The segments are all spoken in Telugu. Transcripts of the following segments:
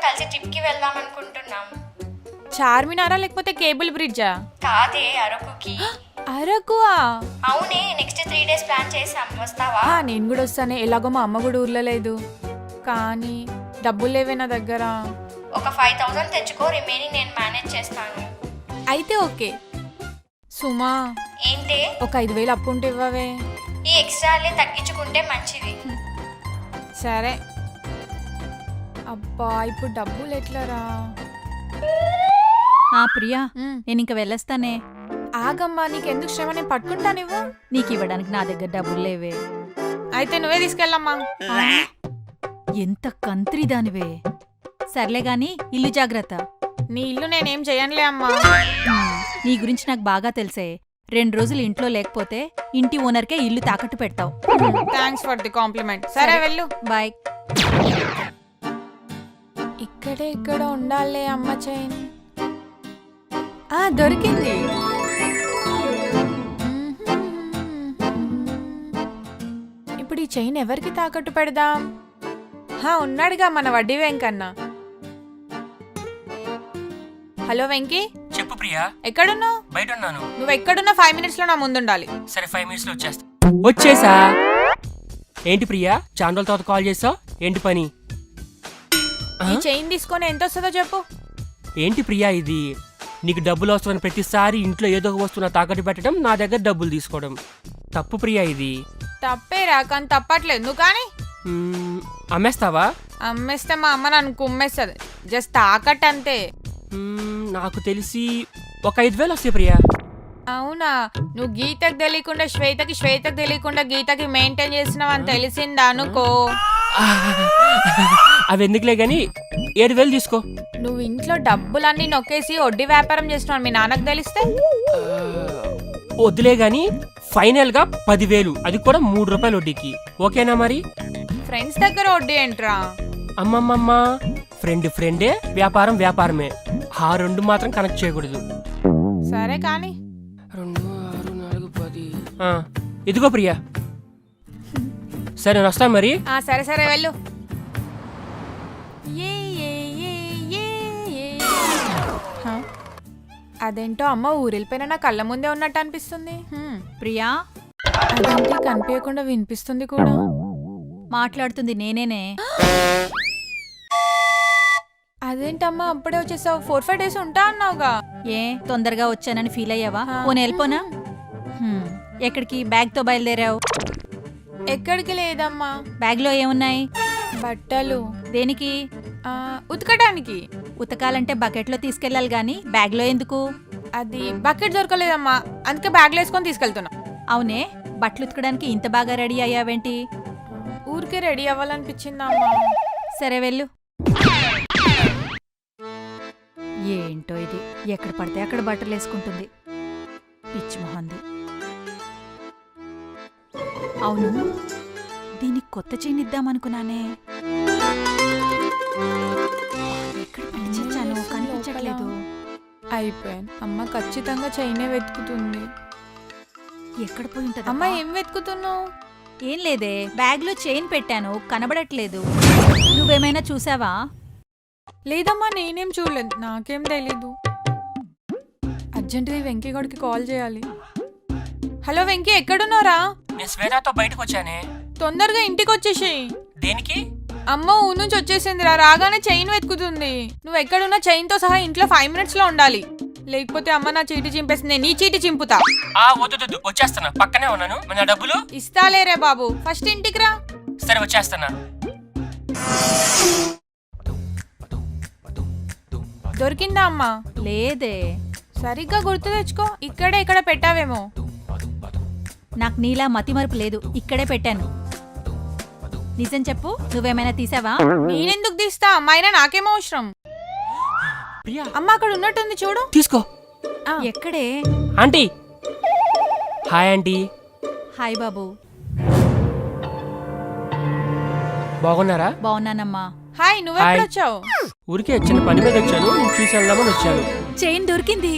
కలిసి ట్రిప్ కి వెళ్దాం అనుకుంటున్నాం. చార్మినారా లేకపోతే కేబుల్ బ్రిడ్జా? కాదే, అరకుకి. అరకువా? అవునే, నెక్స్ట్ 3 days ప్లాన్ చేసాం, వస్తావా? నేను కూడా వస్తానే. ఎలాగో మా అమ్మ కూడా ఊర్లో లేదు, కానీ డబ్బులు లేవే నా దగ్గర. ఒక 5,000 తెచ్చుకో, రిమైనింగ్ నేను మేనేజ్ చేస్తాను. అయితే ఓకే. సుమా, ఏంటే? ఒక 5,000 అప్పు ఉంటే ఇవ్వవే. ఈ ఎక్స్ట్రాలే తగ్గించుకుంటే మంచిది. సరే. అబ్బా, ఇప్పుడు డబ్బులు ఎట్లరా? ప్రియా, నేను ఇంక వెళ్ళొస్తానే. ఆగమ్మా, నీకెందుకు శ్రమ, నేను పట్టుకుంటానివ్వు. నీకు ఇవ్వడానికి నా దగ్గర డబ్బులు లేవే. అయితే నువ్వే తీసుకెళ్ళమ్మా. ఎంత కంత్రి దానివే. సర్లే గాని ఇల్లు జాగ్రత్త. నీ ఇల్లు నేనేం చేయనులే అమ్మా. నీ గురించి నాకు బాగా తెలిసే. 2 రోజులు ఇంట్లో లేకపోతే ఇంటి ఓనర్కే ఇల్లు తాకట్టు పెడతావు. Thanks for the compliment. సరే వెళ్ళు. బాయ్. ఇక్కడే ఇక్కడ ఉండాలే అమ్మ చైన్. దొరికింది. ఇప్పుడు ఈ చైన్ ఎవరికి తాకట్టు పెడదాం? ఉన్నాడుగా మన వడ్డీ వెంకన్న. హలో వెంకీ. చెప్పు ప్రియా. ఎక్కడున్నావు? బయట ఉన్నాను. నువ్వు ఎక్కడున్నా 5 minutes లో నా ముందుండాలి. సరే, 5 minutes లో వచ్చేస్తా. వచ్చేసా? ఏంటి ప్రియా, చాలా రోజుల తర్వాత కాల్ చేసావు? ఏంటి పని? ఈ చైన్ తీసుకొని ఎంత వస్తుందో చెప్పు. ఏంటి ప్రియా ఇది? నీకు డబ్బులు వస్తున్న ప్రతిసారి ఇంట్లో ఏదో ఒక వస్తువు తాకట్టు పెట్టడం, నా దగ్గర డబ్బులు తీసుకోవడం తప్పు ప్రియా. ఇది తప్పేరా, కానీ తప్పట్లేదు. నువ్వు కానీ అమ్మేస్తావా? అమ్మేస్తే మా అమ్మ నన్ను కుమ్మేస్తుంది. జస్ట్ తాకట్టు అంతే. నాకు తెలిసి ఒక 5,000 వస్తాయి ప్రియా. అవునా? నువ్వు గీతకు తెలియకుండా శ్వేతకి, శ్వేతకు తెలియకుండా గీతకి మెయింటైన్ చేసినావు అని తెలిసిందా అనుకో. అవి ఎందుకులే గాని 7,000 తీసుకో. నువ్వు ఇంట్లో డబ్బులన్నీ నొక్కేసి వడ్డీ వ్యాపారం చేస్తున్నావు, మీ నాన్నకు తెలిస్తే? వద్దులే గాని ఫైనల్ గా 10,000, అది కూడా 3 రూపాయలు వడ్డీకి. ఓకేనా మరి? ఫ్రెండ్స్ దగ్గర వడ్డీ ఏంట్రా? అమ్మమ్మమ్మ, ఫ్రెండే, వ్యాపారం వ్యాపారమే. ఆ 2 మాత్రం కనెక్ట్ చేయకూడదు. సరే కానీ 2, 6, 4, 10. ఇదిగో ప్రియా. సరే, నేను వస్తా మరి. సరే సరే వెళ్ళు. అదేంటో అమ్మ ఊరెళ్ళిపోయినా నా కళ్ళ ముందే ఉన్నట్టు అనిపిస్తుంది. ప్రియా, అదేంటి కనిపించకుండా వినిపిస్తుంది కూడా. మాట్లాడుతుంది నేనేనే. అదేంటమ్మా అప్పుడే వచ్చేసావు? 4-5 days ఉంటా అన్నావుగా. ఏ తొందరగా వచ్చానని ఫీల్ అయ్యావా? పోనీ వెళ్ళిపోనా? ఎక్కడికి బ్యాగ్తో బయలుదేరావు? ఎక్కడికి లేదమ్మా. బ్యాగ్లో ఏమున్నాయి? బట్టలు. దేనికి? ఉతకడానికి. ఉతకాలంటే బకెట్లో తీసుకెళ్ళాలి గాని బ్యాగ్లో ఎందుకు? అది బకెట్ దొరకలేదమ్మా, అందుకే బ్యాగ్లో వేసుకొని తీసుకెళ్తున్నా. అవునే, బట్టలు ఉతకడానికి ఇంత బాగా రెడీ అయ్యావేంటి? ఊరికే రెడీ అవ్వాలనిపించిందమ్మా. సరే వెళ్ళు. ఏంటో ఇది, ఎక్కడ పడితే అక్కడ బట్టలు వేసుకుంటుంది, పిచ్చి మొహంది. అవును, దీనికి కొత్త చైన్ ఇద్దామనుకున్నానే. ఎక్కడ పట్టించాను, కనిపించట్లేదు. అయిపోయాను. అమ్మ ఖచ్చితంగా చైనే వెతుకుతుంది. ఎక్కడ పోయి ఉంటుంది? అమ్మ ఏం వెతుకుతున్నావు? ఏం లేదే, బ్యాగ్లో చైన్ పెట్టాను, కనబడట్లేదు. నువ్వేమైనా చూసావా? లేదమ్మా, నేనేం చూడలేదు, నాకేం తెలీదు. అర్జెంటుగా వెంకీ గడికి కాల్ చేయాలి. హలో వెంకీ, ఎక్కడున్నారా? నేను శ్వేతతో బయటకు వచ్చానే. తొందరగా ఇంటికి వచ్చేసేయ్. దేనికి? అమ్మ ఊరు నుంచి వచ్చేసిందిరా, రాగానే చైన్ వెతుకుతుంది. నువ్వు ఎక్కడున్నా చైన్ తో సహా ఇంట్లో 5 minutes లో ఉండాలి, లేకపోతే అమ్మ నా చీటి చింపేస్తుంది. నీ చీటి చింపుతా. వద్దు, వచ్చేస్తున్నా, పక్కనే ఉన్నాను. మన డబ్బులు ఇస్తాలేరే బాబు, ఫస్ట్ ఇంటికి రా. సరే, వచ్చేస్తున్నా. దొరికిందా అమ్మా? లేదే. సరిగ్గా గుర్తు తెచ్చుకో, ఇక్కడే ఇక్కడ పెట్టావేమో. నాకు నీలా మతిమరుపు లేదు, ఇక్కడే పెట్టాను. నిజం చెప్పు, నువ్వేమైనా తీసావా? నేనెందుకు తీస్తా, అమ్మాయినా నాకేమో అవసరం. అమ్మ అక్కడ ఉన్నట్టుంది, చూడు. తీసుకో. ఎక్కడే? ఆంటీ. Hi aunty. హాయ్ బాబు. బాగున్నారా? బాగున్నానమ్మా. హాయ్, నువ్వెప్పుడు వచ్చావు? ఊరికే చిన్న పని మీద వచ్చాను, చూసి వెళ్దామని వచ్చాను. చైన్ దొరికింది.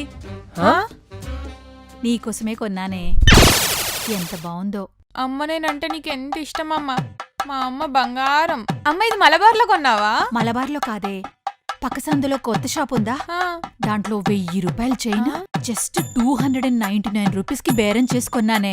నీకోసమే కొన్నానే, ఎంత బాగుందో. అమ్మ, నేనంటే నీకు ఎంత ఇష్టం అమ్మా. మా అమ్మ బంగారం. అమ్మ, ఇది మలబార్లో కొన్నావా? మలబార్లో కాదే, పక్క సందులో కొత్త షాప్ ఉందా ఆ, దాంట్లో 1000 రూపాయలు చైన్ జస్ట్ 299 రూపీస్ కి బేరం చేసుకున్నానే.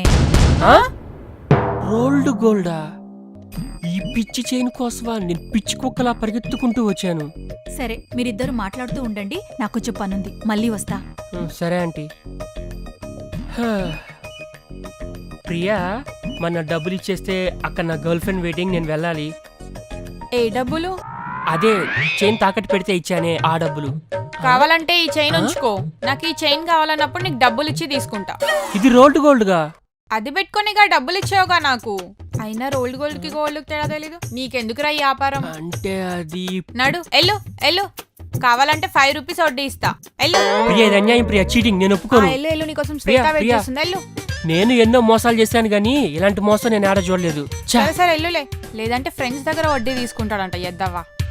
రోల్డ్ గోల్డా? ఈ పిచ్చి చైన్ కోసమా నేను పిచ్చి కుక్కలా పరిగెత్తుకుంటూ వచ్చాను. సరే మీరిద్దరు మాట్లాడుతూ ఉండండి, నాకు కొంచెం పనుంది, మళ్ళీ వస్తా. సరే ఆంటీ. హా. ప్రియా, మన డబ్బులు ఇచ్చేస్తే అక్కడ నా గర్ల్ ఫ్రెండ్ వెయిటింగ్, నేను వెళ్ళాలి. ఏ డబ్బులు? అదే చైన్ తాకట్టు పెడితే ఇచ్చానే ఆ డబ్బులు. కావాలంటే ఈ చైన్ ఉంచుకో. నాకు ఈ చైన్ కావాలన్నప్పుడు నీకు డబ్బులు ఇచ్చి తీసుకుంటా. ఇది రోల్డ్ గోల్డ్గా? అది పెట్టుకునిగా డబ్బులు ఇచ్చావుగా నాకు. అయినా రోల్డ్ గోల్డ్ కి గోల్డ్ తేడా తెలీదు నీకెందుకురా ఈ వ్యాపారం? అంటే అది నడు ఎల్లు ఎల్లు. కావాలంటే 5 రూపీస్ వడ్డీ ఇస్తా. ఎల్లు. ప్రియా, ఇది అన్యాయం ప్రియా, చీటింగ్, నేను ఒప్పుకోను. ఎల్లు ఎల్లు, నీకోసం ప్రియా, శ్వేత వెయిట్ ప్రియా. చేస్తుంది. ఎల్లు. నేను ఎన్నో మోసాలు చేశాను గానీ ఇలాంటి మోసం నేను ఆడ చూడలేదు. ఛా! సరే సరే ఎల్లులే, లేదంటే ఫ్రెండ్స్ దగ్గర వడ్డీ తీసుకుంటాడంట ఎద్దవ్వా.